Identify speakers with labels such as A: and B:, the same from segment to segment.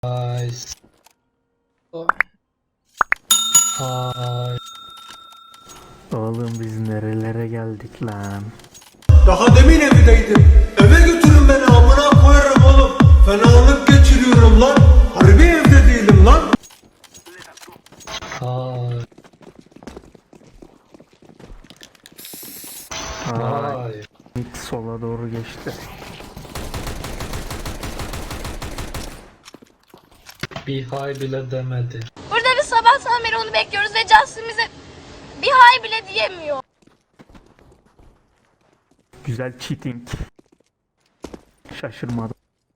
A: Guys. Hi.
B: Oğlum biz nerelere geldik lan?
C: Daha demin evdeydim. Eve götürün beni, amına koyarım oğlum. Fenalık geçiriyorum lan. Harbi evde değilim lan.
A: Hi. Hi.
B: İlk sola doğru geçti.
A: Bir hay bile demedi.
D: Burada bir sabahtan beri onu bekliyoruz ve Justin bize bir hay bile diyemiyor.
B: Güzel cheating. Şaşırmadım.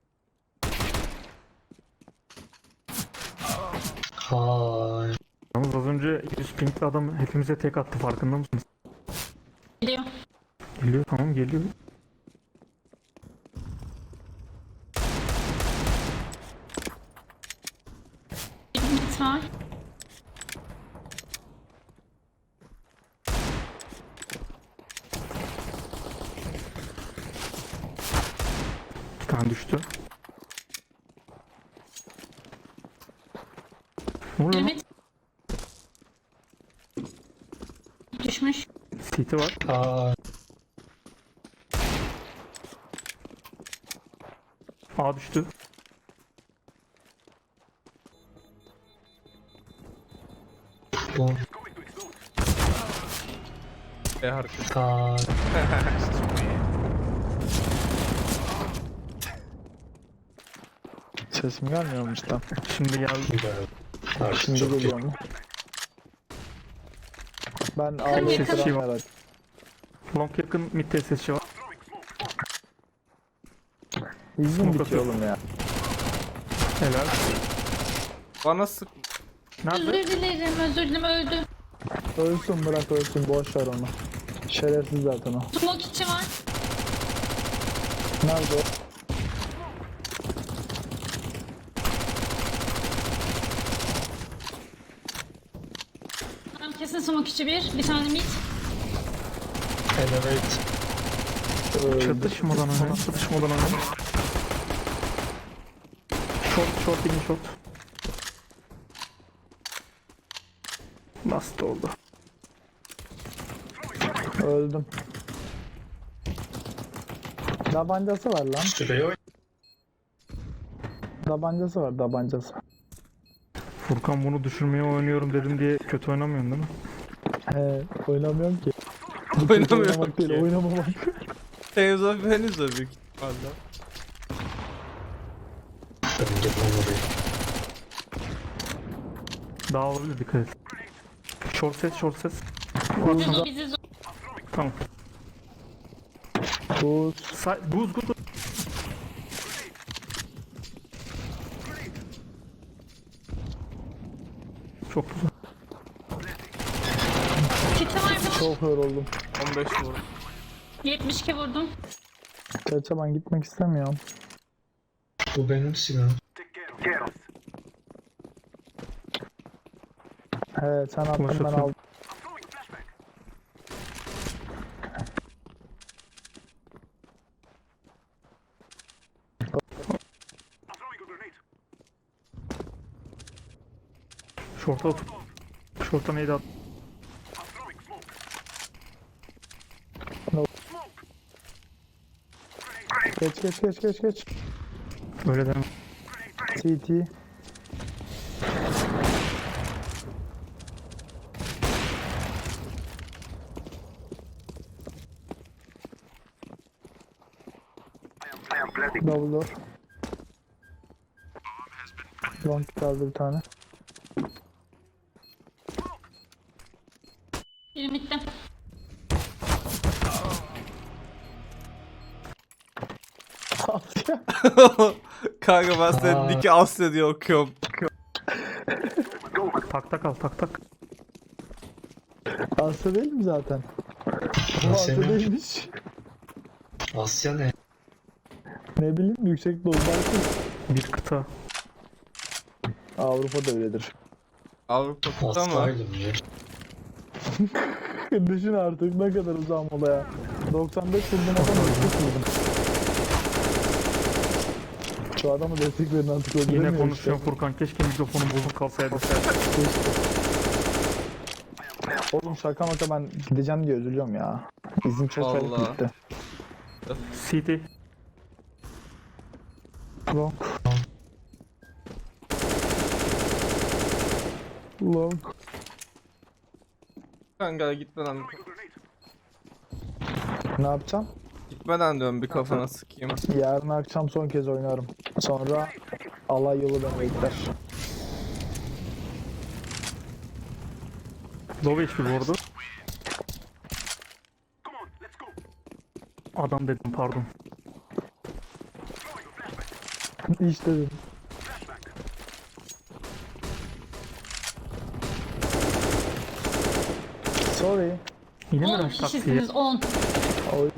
A: Hi.
B: Yalnız az önce 100 pinkli adam hepimize tek attı, farkında mısınız?
D: Geliyor.
B: Geliyor, tamam geliyor.
D: Lütfen.
B: Bir tane düştü. Ne oluyor lan?
D: Ümit. Düşmüş.
B: CT var.
A: Hi.
B: A düştü.
A: Boom.
E: hareket.
A: Hi.
E: Sesim gelmiyormuş lan.
B: Şimdi geldi.
A: Güzel. Artık
E: Şimdi
A: çok
E: geliyor mu? Ben ağlayıp
B: yakın.
E: duran herhalde.
B: Long yakın, mid TSS'çi var.
E: İzin
B: Smoke
E: bitiyor
B: atıyor.
E: oğlum ya.
B: Helal.
F: Bana sık.
B: Nerede?
D: Özür dilerim, özür dilerim, öldü.
E: Ölsün, bırak ölsün, boş ver onu. Şerefsiz zaten o.
D: Smoke içi var.
E: Nerede o?
D: Tamam, kesin smoke içi bir tane mid.
A: Elevate.
B: Çatışmadan öne, çatışmadan öne. Short, in short. Last oldu.
E: Öldüm. Tabancası var lan.
A: Sürüyor.
E: Tabancası var, tabancası.
B: Furkan bunu düşürmeye oynuyorum dedim diye kötü oynamıyorsun değil mi?
E: Oynamıyorum ki.
F: Oynamıyorum
E: Oynamak değil,
F: ki.
E: oynamamak.
F: Henüz o büyük ihtimalle.
A: Ben gitmem oraya.
B: Daha olabilir, dikkat et. Short ses.
D: Biz o bizi zor.
B: Tamam.
E: Buz.
B: Buz. Çok güzel.
D: Kiti var mı?
E: Çok yoruldum.
F: 15 vurdum.
D: 72 vurdum.
E: Gerçi ben gitmek istemiyorum.
A: Bu benim silahım.
E: Sen attın, ben
B: Konuşursun.
E: aldım.
B: Short'a otur. Short'a neydi at?
E: Geç.
B: Öyle deme.
E: CT. Double door. Long kaldı bir tane.
D: Biri midde.
F: Kanka ben senin Nick'i Asya diye okuyorum.
B: Tak.
E: Asya değil mi zaten? Bu
A: Asya
E: Asya
A: ne?
E: değilmiş.
A: Asya ne?
E: Ne bileyim, yüksek dozlar.
B: Bir kıta.
E: Avrupa'da öyledir.
F: Avrupa'da ama.
A: Asylum ya.
E: Düşün artık ne kadar uzağım olaya. 95 vurdum adam öldü vurdum. Şu adamı destek verin artık
B: Yine
E: öldüremiyor
B: konuşuyorum Furkan. Keşke mikrofonun bozuk kalsaydı.
E: Oğlum şaka maka ben gideceğim diye üzülüyorum ya. İzin çok çabuk
F: Vallahi.
E: bitti.
B: CT.
E: Long. Long.
F: Kanka gitmeden
E: Ne yapacağım?
F: gitmeden diyorum bir kafana sıkayım.
E: Yarın akşam son kez oynarım. Sonra alay yolu beni bekler.
B: Low HP bu arada. Adam dedim pardon.
E: İşte dedim. Sorry.
B: Yine mi
G: 10
B: rush taksiye?
G: kişisiniz 10.
E: Oy.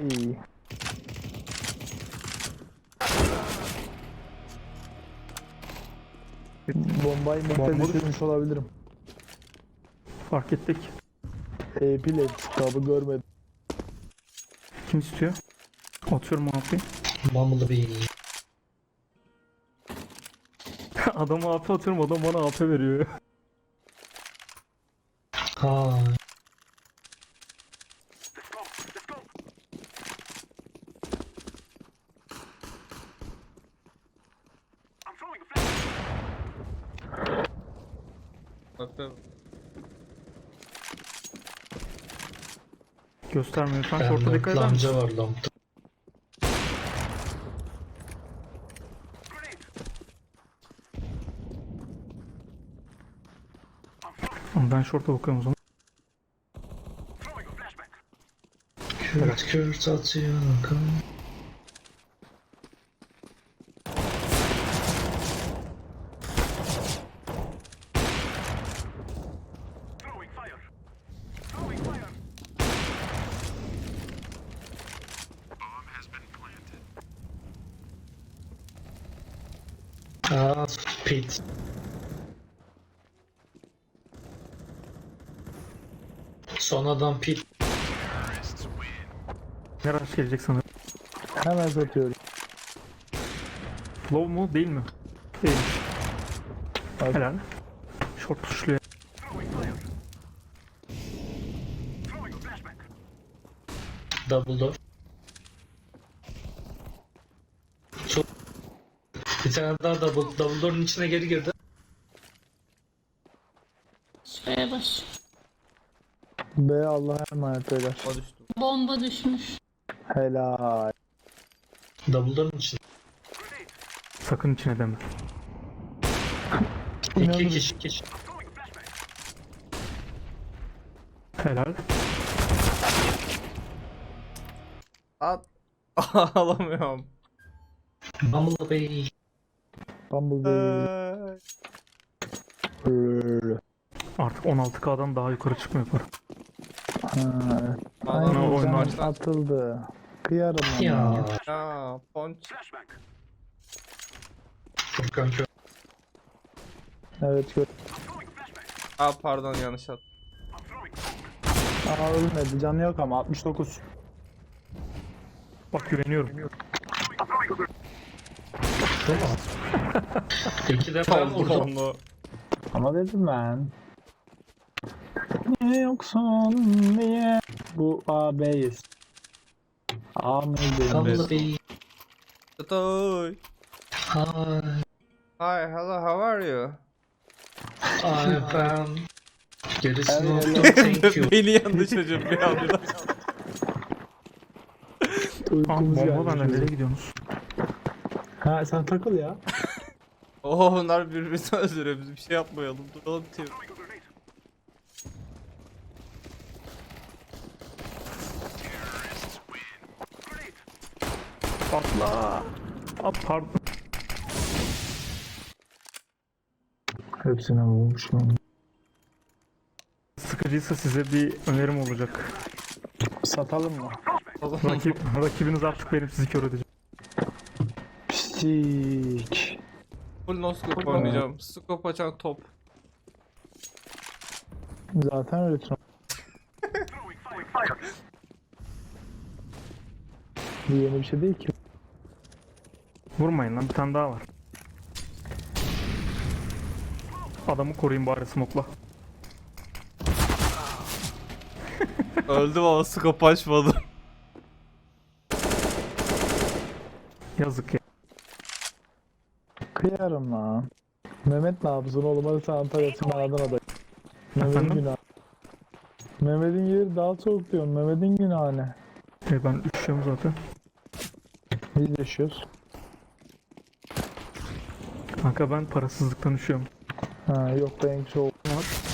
E: Bombayı mutlu düşürmüş olabilirim.
B: Fark ettik.
E: AP kitabı görmedim.
B: Kim istiyor? Atıyorum abi.
A: Bumblebee.
B: Adama AP atıyorum, adam bana AP veriyor.
A: Ha.
F: Bak
B: Göstermiyor. Sen şorta dikkat eder misin?
A: Lamca var lampta.
B: Ben şorta bakıyorum o zaman.
A: Kürt kürt atıyor kan. Aa, pit. Son adam pit.
B: Ne rush gelecek sanırım.
E: Hemen satıyorum.
B: Low mu değil mi? Değilmiş.
E: Hadi.
B: Helal. Short tuşluyor.
A: Double door. Çok... Bir tane daha double door'un içine geri girdi.
G: Şuraya baş.
E: B Allah'a emanet eder.
F: o düştü.
G: Bomba düşmüş.
E: Helal.
A: Double door'un içine.
B: Sakın içine deme.
A: İki kişi.
B: Helal.
F: At. Alamıyorum.
A: Bumblebee.
E: Bumblebee.
B: Artık 16K'dan daha yukarı çıkmıyor para.
E: Ha.
F: Adam
B: oyun
E: Aynen
B: başladı.
E: atıldı. Kıyarım ona.
A: Ya.
F: Ya ponç.
A: Furkan kör.
E: Evet gör.
F: Aa pardon yanlış at.
E: Aa ölmedi. Canı yok ama 69.
B: Bak güveniyorum.
A: Tamam. İki defa vurdum.
F: Onu.
E: Ama dedim ben. Ne yoksun diye. Bu A B'yiz. A mıydı?
A: Bumblebee.
F: Toy.
A: Hi.
F: Hi, hello, how are you?
A: I found. Gerisini
E: Evet,
A: unuttum. Thank you.
F: Beni yandı çocuğum bir anda.
B: Aa,
E: Uykumuz
B: bomba bende,
E: geldi.
B: nereye gidiyorsunuz?
E: Ha sen takıl ya.
F: Oo bunlar birbirine öldürüyor, biz bir şey yapmayalım. Duralım diyor.
B: Atla. At pardon.
E: Hepsine vurmuşum.
B: Sıkıcıysa size bir önerim olacak.
E: Satalım mı?
B: Rakibiniz artık benim, sizi kör edeceğim.
E: Pislik.
F: Full no scope oynayacağım. Scope açan top.
E: Zaten öyle. Bu yeni bir şey değil ki.
B: Vurmayın lan, bir tane daha var. Adamı koruyayım bari smoke'la.
F: Öldüm ama scope açmadım.
B: Yazık ya.
E: Kıyarım lan. Mehmet ne yapsın oğlum, hadi sen Antalya'sın, ben Adana'dayım. Mehmet'in
B: Efendim?
E: günahı. Mehmet'in yeri daha soğuk diyorum. Mehmet'in günahı ne?
B: Ben üşüyorum zaten.
E: Biz yaşıyoruz.
B: Kanka ben parasızlıktan üşüyorum.
E: Ha yok, benimki soğuk.
B: Var.